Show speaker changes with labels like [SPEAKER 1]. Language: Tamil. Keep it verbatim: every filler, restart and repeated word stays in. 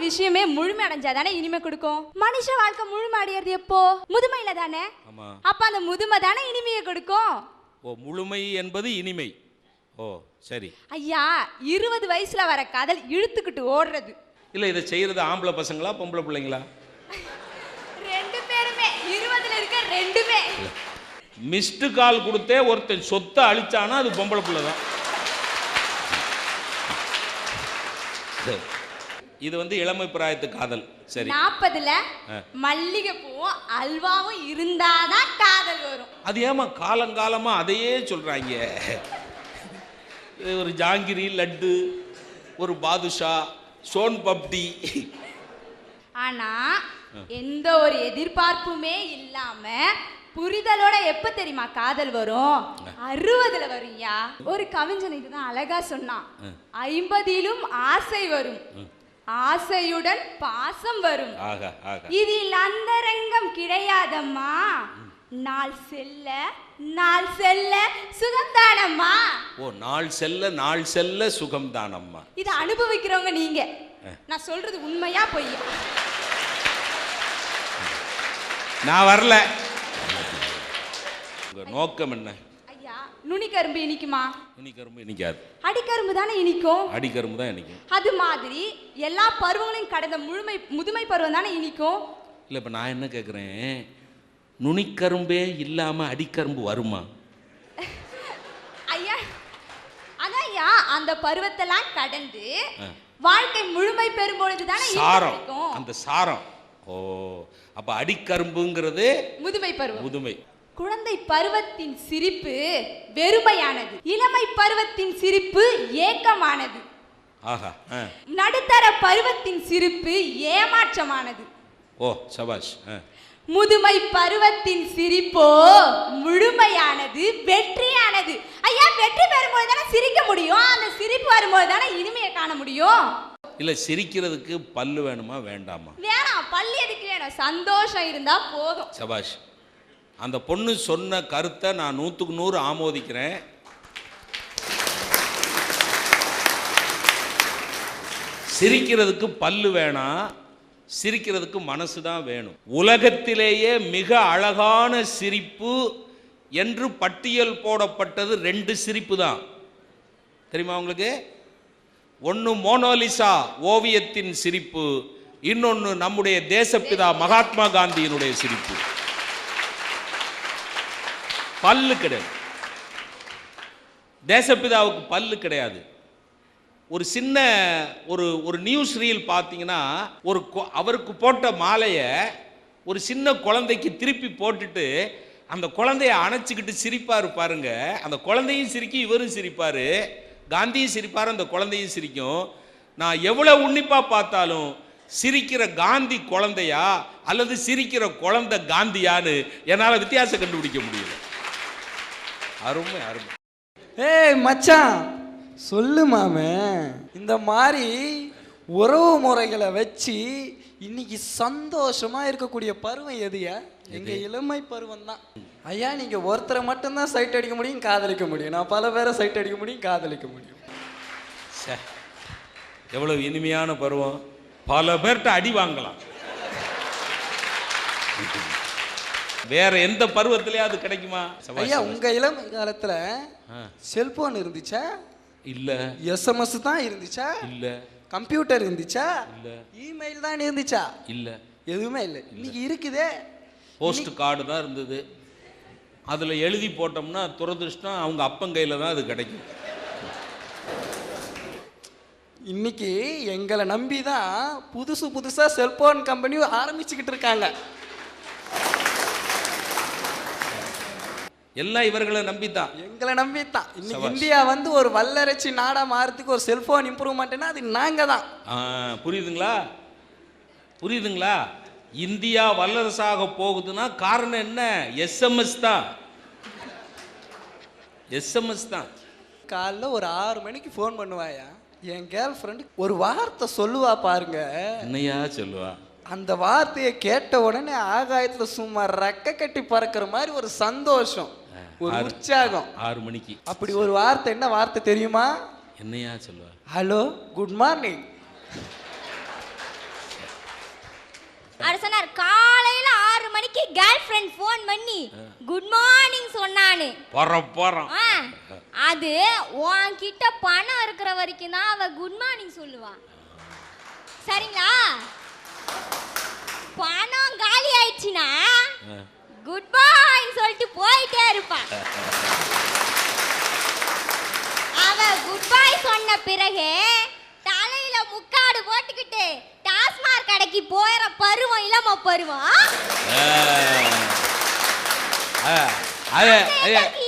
[SPEAKER 1] விஷயமே முழுமை அடைஞ்சாதானே இனிமை கொடுக்கும். மனுஷ வாழ்க்கை முழுமை அடையிறது எப்போ? முதுமையில தானே. அப்ப அந்த முதுமை தானே இனிமையை கொடுக்கும்.
[SPEAKER 2] ஓ, முழுமை என்பது இனிமை. ஓ சரி
[SPEAKER 1] ஐயா, இருபது வயசுல வர காதல் இழுத்துக்கிட்டு ஓடுறது
[SPEAKER 2] இல்ல. இதை செய்யறது ஆம்பளை பசங்களா பொம்பளை பிள்ளைங்களா?
[SPEAKER 1] ரெண்டு பேருமே. இருபதுல இருக்க ரெண்டுமே.
[SPEAKER 2] மிஸ்டு கால் கொடுத்தே ஒருத்தன் சொத்தை அழிச்சானா அது பொம்பளை பிள்ளை தான். இது வந்து இளமை பிராயத்து காதல். சரி, நாற்பதுல
[SPEAKER 1] மல்லிகை பூவும் அல்வாவும் இருந்தாதான் காதல் வரும்.
[SPEAKER 2] அது ஏமா காலங்காலமா அதையே சொல்றாங்க? ஒரு ஜாங்கிரி, லட்டு, ஒரு பாதுஷா, சோன் பப்டி.
[SPEAKER 1] ஆனா எந்த ஒரு எதிர்பார்ப்புமே இல்லாம புரிதலோட எப்ப தெரியுமா காதல் வரும்? அறுபதுல வரும்யா. ஒரு கவிஞன் இதுதான் அழகா சொன்னான். ஐம்பதிலும் ஆசை வரும், ஆசையுடன் பாசம் வரும், இதில் அந்தரங்கம் கிடையாதம்மா, நாள் செல்ல நாள் செல்ல சுகம்தானம்மா.
[SPEAKER 2] ஓ, நாள் செல்ல நாள் செல்ல சுகம்தானம்மா.
[SPEAKER 1] இதை அனுபவிக்கிறவங்க நீங்க. நான் சொல்றது உண்மையா பொய்யா?
[SPEAKER 2] நான் வரல. உங்க நோக்கம் என்ன?
[SPEAKER 1] ஐயா, நுனிக்கரும்பு இனிக்குமா?
[SPEAKER 2] நுனிக்கரும்பு இனிக்காது.
[SPEAKER 1] அடிக்கரும்பு தானே இனிக்கும்.
[SPEAKER 2] அடிக்கரும்பு தான் இனிக்கும்.
[SPEAKER 1] அது மாதிரி எல்லா பருவங்களையும் கடந்த முழுமை முதுமை பருவம் தானே இனிக்கும்.
[SPEAKER 2] இல்ல, இப்ப நான் என்ன கேக்குறேன், நுனிக்கரும்பே இல்லாம அடிக்கரும்பு வருமா?
[SPEAKER 1] ஐயா, அதான் ஐயா, அந்த பருவத்தெல்லாம் கடந்து வாழ்க்கை முழுமை பெறும்பொழுது தானே
[SPEAKER 2] சாரம், அந்த சாரம். ஓ, அப்ப அடிக்கரும்புங்கிறது
[SPEAKER 1] முதுமை பருவம்.
[SPEAKER 2] முதுமை.
[SPEAKER 1] குழந்தை பருவத்தின் சிரிப்பு வெறுமையானது, இளமை பருவத்தின் சிரிப்பு ஏக்கமானது,
[SPEAKER 2] ஆஹா,
[SPEAKER 1] நடுத்தர பருவத்தின் சிரிப்பு ஏமாற்றமானது.
[SPEAKER 2] ஓ சபாஷ்.
[SPEAKER 1] முதுமை பருவத்தின் சிரிப்போ முழுமையானது, வெற்றியானது. ஐயா, வெற்றி பெறும்போது தானே சிரிக்க முடியும். அந்த சிரிப்பு வரும்போது தானே இனிமையை காண முடியும்.
[SPEAKER 2] இல்ல, சிரிக்கிறதுக்கு பல்லு வேணுமா வேண்டாமா?
[SPEAKER 1] வேணாம், பல்லு எதுக்கு வேணும்? சந்தோஷம் இருந்தா போதும்.
[SPEAKER 2] சபாஷ். அந்த பொண்ணு சொன்ன கருத்தை நான் நூற்றுக்கு நூறு ஆமோதிக்கிறேன். சிரிக்கிறதுக்கு பல்லு வேணாம், சிரிக்கிறதுக்கு மனசு தான் வேணும். உலகத்திலேயே மிக அழகான சிரிப்பு என்று பட்டியல் போடப்பட்டது ரெண்டு சிரிப்பு தான். தெரியுமா உங்களுக்கு? ஒன்று மோனோலிசா ஓவியத்தின் சிரிப்பு, இன்னொன்று நம்முடைய தேசப்பிதா மகாத்மா காந்தியினுடைய சிரிப்பு. பல்லு கிடையாது. தேசப்பிதாவுக்கு பல்லு கிடையாது. ஒரு சின்ன ஒரு ஒரு நியூஸ் ரீல் பார்த்தீங்கன்னா, ஒரு அவருக்கு போட்ட மாலையை ஒரு சின்ன குழந்தைக்கு திருப்பி போட்டுட்டு அந்த குழந்தைய அணைச்சிக்கிட்டு சிரிப்பார் பாருங்க. அந்த குழந்தையும் சிரிக்கும், இவரும் சிரிப்பார், காந்தியும் சிரிப்பார், அந்த குழந்தையும் சிரிக்கும். நான் எவ்வளோ உன்னிப்பாக பார்த்தாலும் சிரிக்கிற காந்தி குழந்தையா அல்லது சிரிக்கிற குழந்தை காந்தியான்னு என்னால் வித்தியாசம் கண்டுபிடிக்க முடியல. அருமை அருமை.
[SPEAKER 3] ஏய் மச்சான், சொல்லு மாமே, இந்த மாதிரி உறவு முறைகளை வச்சு இன்னைக்கு சந்தோஷமா இருக்கக்கூடிய பருவம் எதுயா? எங்க இளமை பருவம் தான். ஐயா, நீங்க ஒருத்தரை மட்டும்தான் சைட் அடிக்க முடியும், காதலிக்க முடியும். நான் பல பேரை சைட் அடிக்க முடியும், காதலிக்க முடியும்.
[SPEAKER 2] எவ்வளவு இனிமையான பருவம். பல பேர்கிட்ட அடி வாங்கலாம். வேற எந்த பருவத்திலேயாவது கிடைக்குமா?
[SPEAKER 3] ஐயா, உங்க இளமை காலத்துல செல்போன் இருந்துச்சா?
[SPEAKER 2] இல்ல.
[SPEAKER 3] எஸ்எம்எஸ் தான் இருந்துச்சா?
[SPEAKER 2] இல்ல.
[SPEAKER 3] கம்ப்யூட்டர் இருந்துச்சா?
[SPEAKER 2] இல்ல.
[SPEAKER 3] இமெயில் தான் இருந்துச்சா?
[SPEAKER 2] இல்ல.
[SPEAKER 3] எதுவுமே இல்லை. இன்னைக்கு இருக்குதே.
[SPEAKER 2] போஸ்ட் கார்டு தான் இருந்தது. அதுல எழுதி போட்டோம்னா துரதிருஷ்டம் அவங்க அப்பங்கையில தான் அது கிடைக்கும்.
[SPEAKER 3] இன்னைக்கு எங்களை நம்பி தான் புதுசு புதுசா செல்போன் கம்பெனி ஆரம்பிச்சுக்கிட்டு இருக்காங்க.
[SPEAKER 2] எல்லாம் இவர்களை நம்பித்தான்,
[SPEAKER 3] எங்களை நம்பித்தான். இன்னைக்கு இந்தியா வந்து ஒரு வல்லரட்சி நாடா மாறதுக்கு ஒரு செல்போன் இம்ப்ரூவ்மெண்ட்னா அது நாங்க தான்.
[SPEAKER 2] புரியுதுங்களா? புரியுதுங்களா? இந்தியா வல்லரசாக போகுதுன்னா காரணம் என்ன? எஸ்எம்எஸ் தான். எஸ்எம்எஸ் தான்.
[SPEAKER 3] காலைல ஒரு ஆறு மணிக்கு ஃபோன் பண்ணுவாயா, என் கேர்ள் ஃப்ரெண்டு ஒரு வார்த்தை சொல்லுவா பாருங்க.
[SPEAKER 2] என்னையா சொல்லுவா?
[SPEAKER 3] அந்த வார்த்தையை கேட்ட உடனே ஆகாயத்துல சும்மா ரெக்க கட்டி பறக்கிற மாதிரி ஒரு சந்தோஷம், ஒரு உற்சாகம்.
[SPEAKER 2] ஆறு மணிக்கு
[SPEAKER 3] அப்படி ஒரு வார்த்தை. என்ன வார்த்தை தெரியுமா?
[SPEAKER 2] என்னையா சொல்லுவா?
[SPEAKER 3] Hello, good morning.
[SPEAKER 4] அவர் சொன்னார் காலையில ஆறு மணிக்கு கேர்ள் ஃப்ரெண்ட் ஃபோன் பண்ணி குட் மார்னிங் சொன்னானு.
[SPEAKER 2] போறோம் போறோம்.
[SPEAKER 4] ஆ, அது உன்கிட்ட பணம் இருக்கிற வரைக்கும் தான் அவ குட் மார்னிங் சொல்லுவா. சரிங்களா? பணம் காலி ஆயிடுச்சுன்னா குட் பை சொல்லிட்டு போயிட்டே இருப்பா. அவ குட் பை சொன்ன பிறகு தலையில முக்காடு போட்டுக்கிட்டு டாஸ்மாக் கடைக்கு போயிற பருவம் இளம பருவம்.
[SPEAKER 2] அது